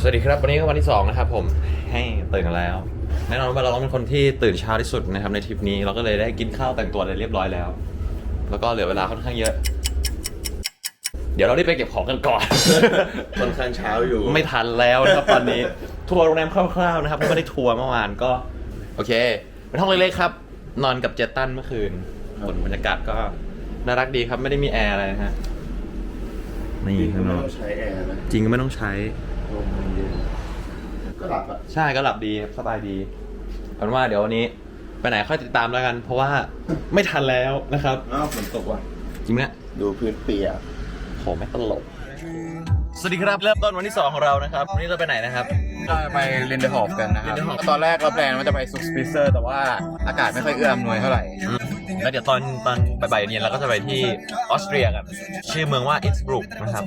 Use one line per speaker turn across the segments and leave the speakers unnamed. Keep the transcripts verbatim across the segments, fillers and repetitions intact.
สวัสดีครับวันนี้ก็วันที่สองนะครับผมให้ตื่นกันแล้วแน่นอนว่าเราต้องเป็นคนที่ตื่นเช้าที่สุดนะครับในทริปนี้เราก็เลยได้กินข้าวแต่งตัวอะไรเรียบร้อยแล้วแล้วก็เหลือเวลาค่อนข้างเยอะเดี๋ยวเราได้ไปเก็บของกันก่อน
ค่อนข้างเช้าอยู่
ไม่ทันแล้วนะครับตอนนี้ทัวร์โรงแรมคร่าวๆนะครับไม่ได้ทัวร์เมื่อวานก็โอเคเป็นห้องเล็กๆครับนอนกับเจตันเมื่อคืนบรรยากาศก็น่ารักดีครับไม่ได้มีแอร์อะไรนะฮะนี่ข้างนอก
ใช้แอร์นะ
จริงก็ไม่ต้องใช้
ลมมันเย็นก็หลับอ่ะ
ใช่ก็หลับดีสบายดีเอาเป็นว่าเดี๋ยววันนี้ไปไหนค่อยติดตามแล้วกัน เพราะว่าไม่ทันแล้วนะครับ
อ้าวฝนตกว่ะ
จริงไหม
ดูพื้นเปียก
โหไม่ตลกสวัสดีครับเริ่มต้นวันที่สองของเรานะครับวันนี้เราไปไหนนะครับ
เราไปเรนเดอร์ฮอฟกันนะครับตอนแรกเราแพลนว่าจะไปซุกสปิเซอร์แต่ว่าอากาศไม่ค่อยเอื้ออำนวยเท่าไหร่
แล้วเดี๋ยวตอนตอนบ่ายๆเย็นเราก็จะไปที่ออสเตรียกันชื่อเมืองว่าอินสบรุกนะครับ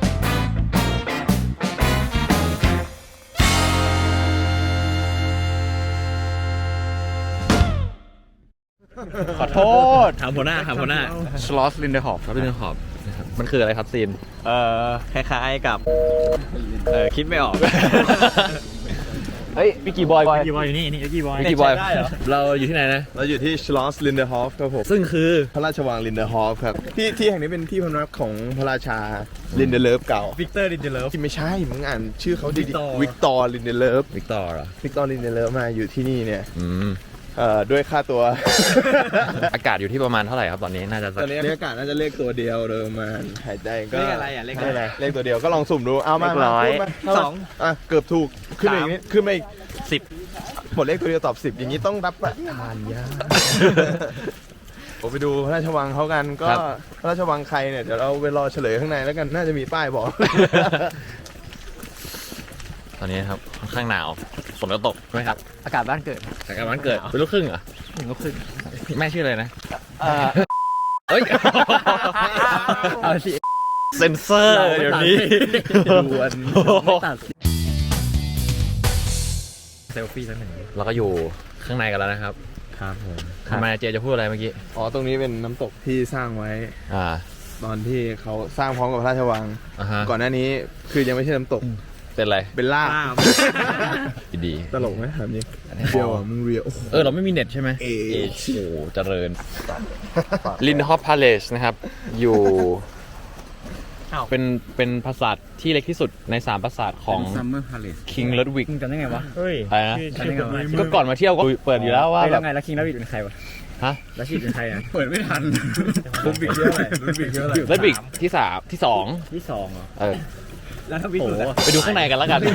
ขอโทษถามหัวหน้าถามหัวหน้า
ชลอสลินเดอร์ฮอฟ
ครับลินเดอร์ฮอฟมันคืออะไรครับซีนเอ่อคล้ายๆกับเออคิดไม่ออกเฮ้ยวิกกี้บอย
วิกกี้บอยอยู่นี่นี่วิกกี้บอย
วิกกี้บอยเราอยู่ที่ไหนนะ
เราอยู่ที่ชลอสลินเดอร์ฮอฟครับผม
ซึ่งคือ
พระราชวังลินเดอร์ฮอฟครับที่ที่แห่งนี้เป็นที่พำนักของพระราชาลินเดอร์เลิฟเก่า
วิกเตอร์ลินเดอร์เลิฟ
ที่ไม่ใช่มึงอ่านชื่อเขาดีๆวิกตอร์ลินเดอร์เลิฟ
วิกตอร์เหรอ
วิกตอร์ลินเดอร์เลิฟมาอยู่ที่นี่เนี่ย
อืม
เอ่อด้วยค่าตัว
อากาศอยู่ที่ประมามาณเท่าไหร่ครับตอนนี้น่าจะ
ตอนนี้อากาศน่าจะเลขตัวเดียวโดยประมาณหายใจก็
เลขอะไรอ่ะเลขอะไร
เลขตัวเดียวก็ลองสุ่มดูเอามา
ร้อย
สองอ่ะเกือบถูกขึ้นอีกนิดขึ้นมาอีก
สิบ
หมดเลขตัวเดียวตอบสิบอย่างนี้ต้องรับประทานยาผมไปดูพระราชวังเขากันก็พระราชวังใครเนี่ยเดี๋ยวเราไปรอเฉลยข้างในแล้วกันน่าจะมีป้ายบอก
ตอนนี้ครับค่อนข้างหนาวฝนก็ตกใช่ไหมครับ
อากาศบ้านเกิด
อากาศบ้านเกิดเป็นลูกครึ่งเหรอ
หนึ่งลูกครึ่ง
แม่ชื่ออะไรนะ
เฮ้ยเอาสิ
เซนเซอร์เดี๋ยวนี้
ด่วนไม่ตัดเซลฟี่สักหนึ่ง
เราก็อยู่ข้างในกันแล้วนะครับ
ครับผม
ทำไมเจจะพูดอะไรเมื่อกี้
อ๋อตรงนี้เป็นน้ำตกที่สร้างไว้
อ่า
ตอนที่เขาสร้างพร้อมกับพระราชวัง
uh-huh.
ก่อนหน้านี้คือยังไม่ใช่น้ำตก
เป็นอะไร
เป็นลาบ
ดี
ตลกไหมครับนี่เรียวมึงเรียว
เออเราไม่มีเน็ตใช่ไหม
เอ
โอ้เจริญลินฮอปพาเลสนะครับอยู่เป็นเป็นปราสาทที่เล็กที่สุดในสามปราสาทของ King Ludwig
จำได้ไงวะ
เฮ้ยอะไรนะก็ก่อนมาเที่ยวก็เปิดอยู่แล้วว่า
แบบไงแล้ว King Ludwig เป็นใครวะ
ฮะ
แล้วชีเป็นใครอ่ะ
เปิดไม่ทัน
ลุดบิกเยอะเลยลุดบิกเยอะเลย
ลุดบิกที่สามที่สอง
ที่สองเหรอ
เออ
แล้วถ้าวิสู
ไปดูข้างในกันแล้วกัน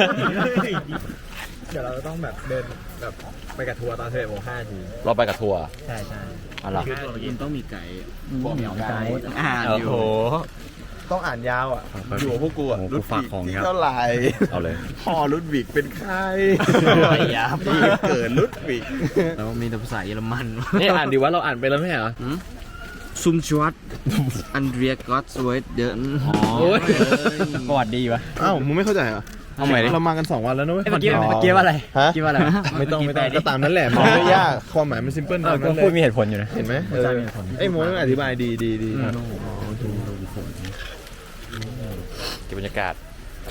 เดี๋ยวเราต้องแบบเดินแบบไปกับทัวร์ตอนสิบเอ็ดโมงห้าที
เราไปกับทัวร์
ใช่ใช่
อะไร
มันต้องมีไกด์
บอกมีไกด์
อ่านอยู่
ต้องอ่านยาวอ่ะอยู่กับพวกกูอ่ะ
รุ่นฝากของ
เท่าไหร่
เอาเลย
พ่อรุ่นบิกเป็นใคร
ยา
ปีเกิดรุ่นบิก
แล้วมีแต่ภาษาเยอรมัน
นี่อ่านดีว่าเราอ่านไปแล้วไม่เหรอ
ซุมชวัตอันเดรียก็อตสวยเดิน
โอ้ยประวัติดีวะ
อ้าวมึงไม่เข้าใจเหรอ
เอาใหม่
เรามากันสองวันแล้วนะเว้ย
เมื่อกี้เมื่อกี้ว่าอะไร
ฮะ
เมื่อกี้ว่าอะไร
ไม่ต้องไม่ต้องก็ตามนั้นแหละมันไม่ยากความหมายมันซิมเพิลตามนั้นเลย
พูดมีเหตุผลอยู่นะ
เห็นไหมไอ้โม้อธิบายดีดีดี
เก็บบรรยากาศ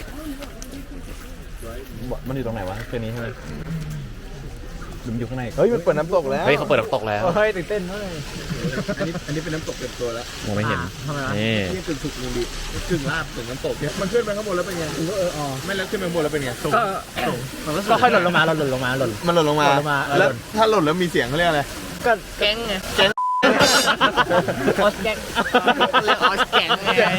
มันอยู่ตรงไหนวะคืนนี้ใช่ไหมหลุมอยู่ข้างใน
เฮ้ยมันเปิดน้ำตกแล้ว
เฮ้ยเขาเปิดน้ำตกแล้ว
เฮ้ยตื่นเต้นมาก
อันนี้อันนี้เป็นน้ำตกเต็มตัวแล้ว
มองไม่เห็น
นี่นี่กึ่งสุกกึ่งดิบกึ่งลาบกึ่งน้ำตกเนี่ยมันขึ้นไปข้างบนแล้วเป็นไงเอออ๋อไม่แล้วขึ้นไปข้างบนแล้วเป็นไง
ก็ก็ค่อยหล่นลงมาหล่นลงมาหล่น
มันหล่นลงมาแล้วถ้าหล่นแล้วมีเสียงเขาเรียกอะไร
ก็แก๊งไงแก๊งออสแก๊งเรียกออสแก๊งไง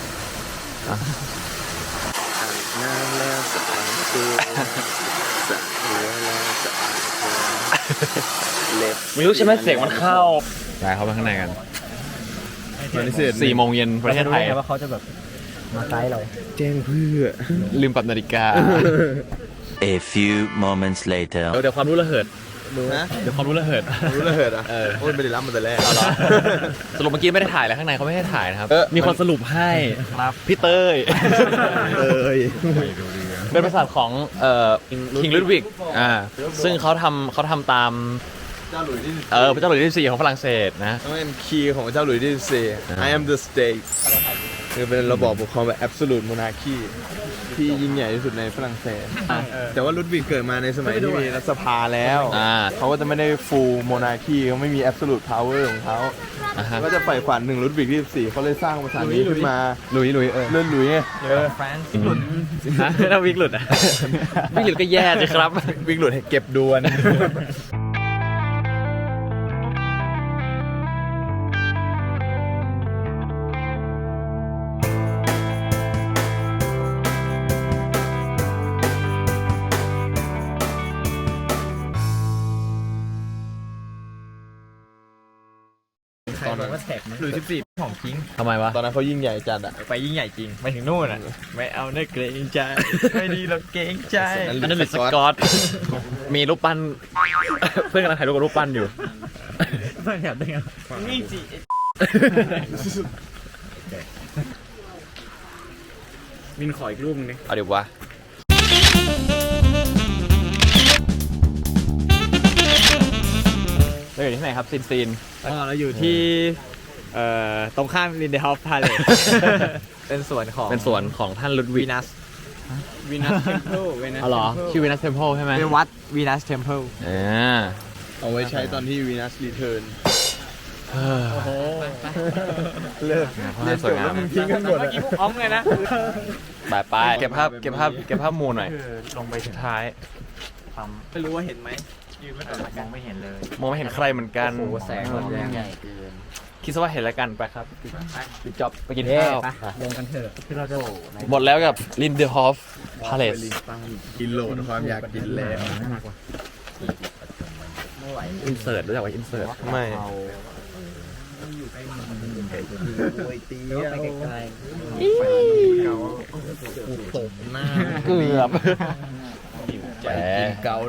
ไม่รู้ใช่ไหมเสียงมันเข้าไปเข้าไปข้างในกันสี่โมงเย็นประเทศไทย
ว่าเขาจะแบบมาไกด์เรา
แจ้งเพื่อ
ลืมปรับนาฬิกา
A few moments later
เดี๋ยวความรู้ระเหิด
นะ
เดี๋ยวความรู้ระเหิด
รู้ระเหิดอ่ะโอ้ยไม่ได้รับมาแต่แรก
สรุปเมื่อกี้ไม่ได้ถ่ายแล้วข้างในเขาไม่ให้ถ่ายนะครับมีคนสรุปให้พี่เต้ย
เต้ย
เป็นปราสาทของเอ่อ King Ludwig อ่าซึ่งเขาทำเขาทำตาม
เจ้าหลุยส์ที่
เออพระเจ้าหลุยส์ที่สี่ของฝรั่งเศสนะ
ต้องเป็นคีย์ของเจ้าหลุยส์ที่สี่ I am the state คือเป็นระบอบปกครองแบบ absolute monarchy ที่ยิ่งใหญ่ที่สุดในฝรั่งเศสแต่ว่าลุดวิกเกิดมาในสมัยที่มีรัฐสภาแล้ว
อ่า
เขาก็จะไม่ได้ full monarchy เขาไม่มี absolute power ของเขา
อ่าฮะ
ก็จะใฝ่ฝันถึงลุดวิกที่สิบสี่เขาเลยสร้างภาษานี้ขึ้นมา
ลุยลุยเออ
เลื่อนหลุยไงเออ
ถ้าวิกหลุดอ่ะ วิกหลุดก็แย่สิครับ
วิกหลุดให้เก็บดวน
ใครบอกว่าแท็กหรือสิบสี่ของจริง
ทำไมวะ
ตอนนั้นเขายิ่งใหญ่จัดอ่ะ
ไปยิ่งใหญ่จริงไปถึงนู่นอ่ะ ไม่เอาเนื้อเกรงใจ ไม่ดีเราเกรงใจ
อันนั้นหลุดสกอต มีรูปปั้น เพื่อนกำลังถ่ายรูปกับรูปปั้นอยู่
ไม่แถบได้ไงนี่จี มินขออีกรูปนึงดิ
เอาเดี๋ยววะ เราอยู่ที่ไหนครับซีนซีน
อ๋อเราอยู่ที่เอ่อตรงข้ามลินเดฮอฟพาเล สเป็นสวนของ
เป็นสวนของท่านลุดวิ
วี
ก
นัสวีนัสเทมเพลวีนัส
อ๋อเหรอ ชื่อวีนัสเทมเพลใช่ไหม
เป็นวัดวีนัสเทมเพล
อ่า
เอาไว้ใช้ตอนที่วีนัสรีเทิร์น
เฮ้อ
เลิก
เรียนจบแล้วมึงทิ้งกันหมด
เมื่อกี้พวกอ้อมเลยนะ
ไปไปเก็บภาพ เก็บภาพ เก็บภาพมูลหน่อย
ลงไปสุดท้ายไม่รู้ว่าเห็นไหมยืนไม่ต่อมองไม่เห็นเลย
มองไม่เห็นใครเหมือนกัน
โอ้โหแสงมันใหญ่เกิน
คิดซะว่าเห็นแล้วกันไปครับปิดจ็อบไปกินข้าว
ลงกันเถอะคือเราจะ
หมดแล้วกับลินเดฮอฟพาเลส
กินโหลดความอยากกินแล้ว
อินเสิร์ตรู้จักว่าอินเสิร์ต
ไม่
เกือบแจ๋เกา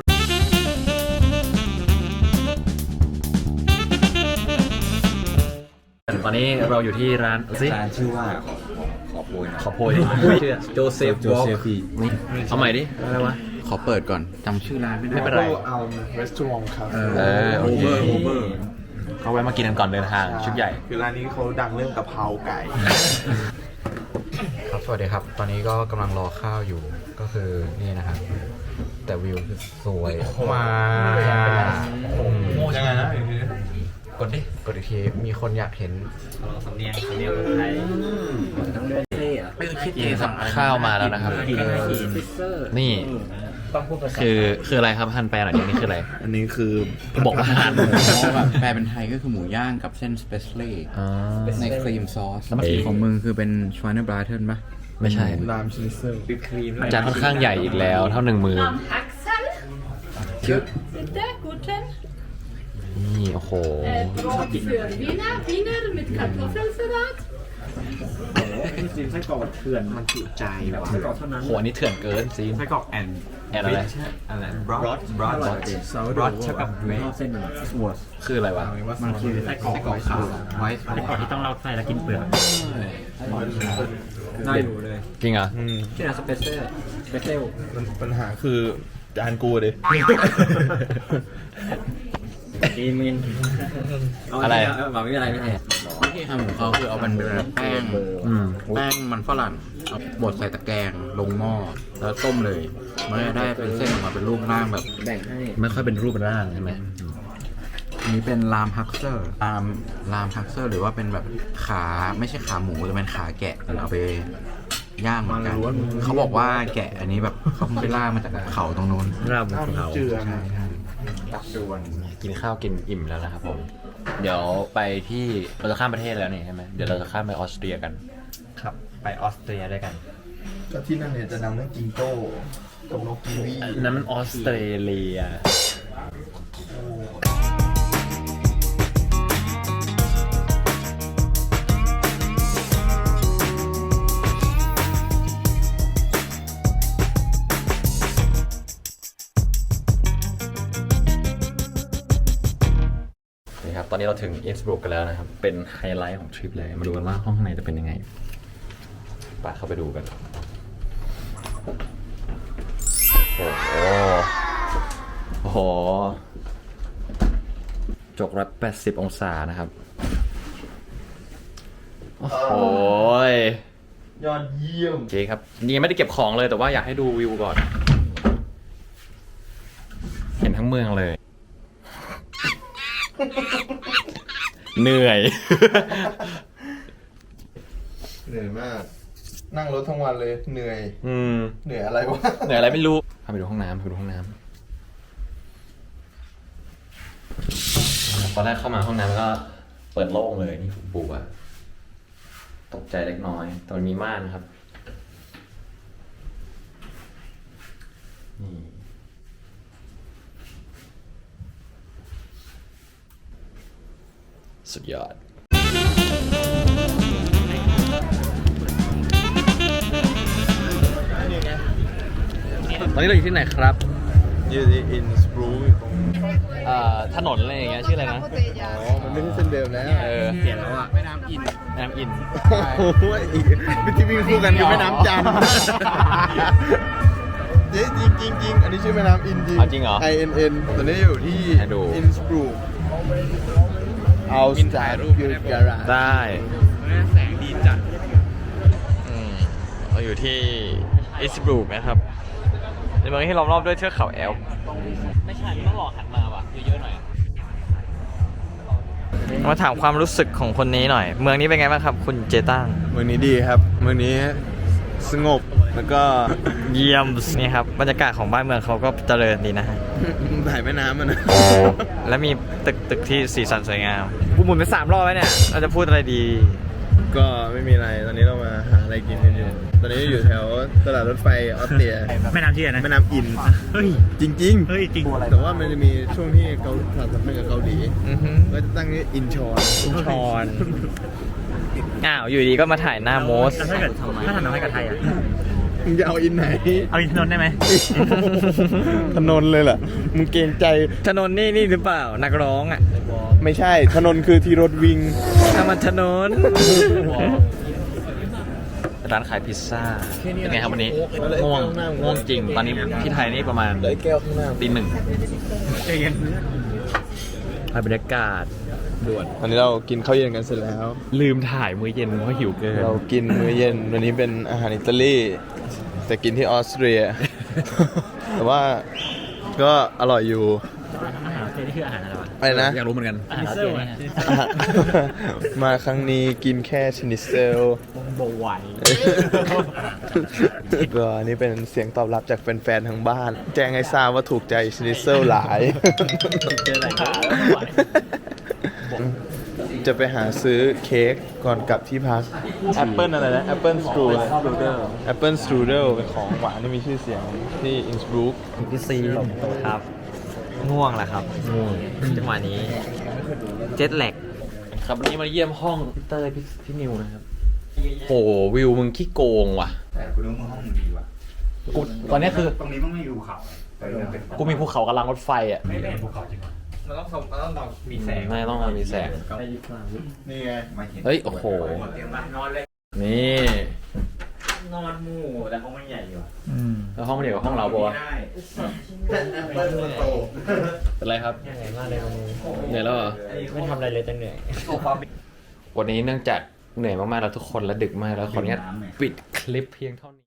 ตอนนี้เราอยู่ที่ร้านซิ
ร้านชื่อว่าขอโพย
ขอโพยชื่อโจเซฟวอล์กนี่เอาใหม่ดิอะไรวะ
ขอเปิดก่อนจำชื่อร้านไม่ได้
ไม่เป็นไร
เอารีสอร์ทครับ
เออโอเคเขาแวะมากินกันก่อนเดินทางชุดใหญ่
คือร้านนี้เขาดังเรื่องกะเพราไก่
ครับสวัสดีครับ ตอนนี้ก็กำลังรอข้าวอยู่ก็คือนี่นะครับแต่วิวคือสวยมาก
ยังไงนะ
กดดิกดอีกทีมีคนอยากเห็น
สำเนียงสำเนียงคนไทยต้องเลือกเท่อะ
ไม่เคยคิดเอง
สั่งข้าวมาแล้วนะครับ นี่
ต้องพูดภาษา
คือคืออะไรครับฮันแปลหน่อยดินี่คืออะไร
อันนี้คือ
บอกว่าอาหาร
แปลเป็นไทยก็คือหมูย่างกับเส้นสเปซเล่
อ๋อ
ในครีมซอส
แล้วเมื่อกี้
ของมึงคือเป็นชวานเนอร์บราเทนปะ
ไม่ใช่
รามชนิเซอร์
ครีม
จานค่อนข้างใหญ่อีกแล้วเท่าหนึ่งมือ
Axel. Bitte, guten.
นี่โอ้โห
Äh, Brot für Wiener, Wiener mit Kartoffelsalat.
ซีนไส้กรอกเถื่อนมันจุใจแบบไส้กรอกเท่านั้น
โหอันนี้เถื่อนเกินซีน
ไส้กรอกแอน
แอนอะไร
อะไรบรอดบรอดบรอดบรอดเท่ากับเวทเส้นสวอส
คืออะไรวะ
มันคือไส้กรอกขาวไว้ไส้กรอกที่ต้องเราใส่แล้วกินเปลือกน่าอยู่เลย
จริงเหรอ
ชื่อสเปเซอร์สเปเซล
ปัญหาคือจานกูดิ
ดีมิน
อะไร
บอกไม่มีอะไรไม่ใช่
วิธีทำของเขาคือเอาเป็นแบบแป้ง
อืม
แป้งมันฝรั่งเอาบดใส่ตะแกรงลงหม้อแล้วต้มเลยมันจะได้เป็นเส้นออกมาเป็นรูปร่างแบบ
แบ่งให้
ไม่ค่อยเป็นรูปเป็นร่างใช่ไหม
อันนี้เป็นลามฮักเซอร์ลามลามฮักเซอร์หรือว่าเป็นแบบขาไม่ใช่ขาหมูแต่เป็นขาแกะเอาไปย่างเหมือนกันเขาบอกว่าแกะอันนี้แบบเขาไปล่ามาจากเขาตรงนู้น
ร่างบนเขา
เจือ
ใช่ใช่
กินข้าวกินอิ่มแล้วนะครับผม เดี๋ยวไปที่เราจะข้ามประเทศแล้วนี่ใช่ไหมเดี๋ยวเราจะข้ามไปออสเตรียกัน
ครับไปออสเตรียด้วยกัน
ก็ที่นั่นเนี่ยจะดังเรื่องจิงโจ้กับนกกีวี
นั้นมันออสเตรเลีย นี่ครับ ตอนนี้เราถึงอินสบรุกกันแล้วนะครับ เป็นไฮไลท์ของทริปเลย มาดูกันว่าห้องข้างในจะเป็นยังไงไปเข้าไปดูกัน โอ้โห โอ้โห จกร้อยแปดสิบองศานะครับ โอ้โห
ยอดเยี่ยม
โอเคครับยังไม่ได้เก็บของเลยแต่ว่าอยากให้ดูวิวก่อน เห็นทั้งเมืองเลย เหนื่อย
เหนื่อยมาก นั่งรถทั้งวันเลยเหนื่อย
อืม
เหนื่อยอะไรวะ
เหนื่อยอะไรไม่รู้พาไปดูห้องน้ำพาไปดูห้องน้ำตอนแรกเข้ามาห้องน้ำก็เปิดโล่งเลยนี่ปูอะตกใจเล็กน้อยแต่มันมีม่านครับนี่สุดยอด ตอนนี้เราอยู่ที่ไหนครับ
อยู่ที่อินสบรูกตรง
เอ่อถนนอะไรอย่างเงี้ยชื่ออะไรนะ
อ๋อ มันไม่ใช่เส้นเดิมแล้ว
เออ
เปลี่ยนแล้วอ่ะแม่น้ำอิน
แม่น้ำอิน
โอ้โหอีกที่วิ่งคู่กันคือแม่น้ำจันทร์เจ๊จริงจริงจริงอันนี้ชื่อแม่น้ำอินจริง
อ๋อจริงเหรอ
I N N ตอนนี้อยู่ที่
ให้ดู
อินสบรูกเอาสถ่ายรูปอยู่การา
ได้
แสงดีจัด
อืมเราอยู่ที่อิสบรูกนะครับในเมืองที่ล้อมรอบด้วยเทือกเขาแอลป์ไม่ใช่ต้องรอหันมาว่ะเยอะๆหน่อยมาถามความรู้สึกของคนนี้หน่อย เมืองนี้เป็นไงบ้างครับ คุณเจตัง
เมืองนี้ดีครับ เมืองนี้สงบแล้วก็
เยี่ยมนี่ครับบรรยากาศของบ้านเมืองเขาก็เจริญดีนะฮะ
ถ่ายแม่น้ำมันนะ
และมีตึกตึกที่สีสันสวยงามกูหมุนไปสามรอบแล้วเนี่ยเราจะพูดอะไรดี
ก็ไม่มีอะไร ตอนนี้เรามาหาอะไรกินกันอยู่ ตอนนี้อยู่แถวตลาดรถไฟออสเตรีย
แม่น้ำที่ไหนนะ
แม่น้ำอิน
เฮ้ย
จริง
เฮ้ยจริง
ๆ แต่ว่ามันจะมีช่วงที่เกาสานสัมพันธ์กับเกาหลีก็จะตั้งนี้อินชอน
ชอน อ้าว อยู่ดีก็มาถ่ายหน้าโมส
ถ้าเกิดถ้าทำน้ำให้กับไทยอ่ะ
มึงจะเอาอินไหน
เอาอินทนนท์ได้ไหม
ถนนเลยเหรอ มึงเกรงใจ
ถนนนี่นี่หรือเปล่า นักร้องอ่ะ
ไม่ใช่ ถนนคือที่รถวิ่ง
ถ้ามันถนน ร้านขายพิซซ่า เป็นไงครับวันนี้ ง่วง ง่วงจริง ตอนนี้ที่ไทยนี่ประมาณ
เหลือแก้วข้างหน้า
ตีหนึ่งถ่ายบรรยากาศ
ด่วนตอนนี้เรากินข้าวเย็นกันเสร็จแล้ว
ลืมถ่ายมื้อเย็นเพราะหิวเกิน
เรากินมื้อเย็นวันนี้เป็นอาหารอิตาลีแต่กินที่ออสเตรีย แต่ว่าก็อร่อยอยู่
อาหารเจนี่คืออาหารอะไรวะ
อะไรนะ
อยากรู้เหมือนกัน
อาหารเจนี่
มาครั้งนี้กินแค่ชนิเซล
โบไหว
ก็นี่เป็นเสียงตอบรับจากแฟนๆทางบ้าน แจ้งให้ทราบว่าถูกใจชนิเซลหลาย
เจออะไรกัน
จะไปหาซื้อเค้กก่อนกลับที่พักแอปเปิลอะไรนะแอปเปิลสตรูแอปเปิลสตรูเดลเป็นของหวานที่มีชื่อเสียงที่อินสบรูก
พี่ซีครับ ง่วงแหละครับ ง่วงจังหวะนี้ เจ็ตแลกครับวันนี้มาเยี่ยมห้องพี่เต้ยพี่พี่นิวนะครับโหวิวมึงขี้โกงว่ะ
แต่กูรู้มึงห้องมึงดีว่ะ
กูตอนนี้คือ
ตรงนี้มึงไม่ดูเขาแต่เรื่องเป็น
กูมีภูเขากำลังรถไฟอ่ะ
ไม่เป็นภูเขาจริงวะ
มันต้องมันต้องเรามีแสง
ไม่ต้องมามีแสง
นี่ไง
ไม่เห็น
เฮ้ยโอ้โห
เตรียมมานอนเลย
นี่
นอนหมู่แต่ห้องมันใหญ่อยู่
แล้วห้องมันเดียวกับห้องเราปะวะเป็นไรครับ
เหนื่อยมากเลยวันนี้
เหนื่อยแล้วเหรอ
ไม่ทำอะไรเลยแต่เหนื่อย
วันนี้เนื่องจากเหนื่อยมากๆแล้วทุกคนและดึกมากแล้วขออนุญาตปิดคลิปเพียงเท่านี้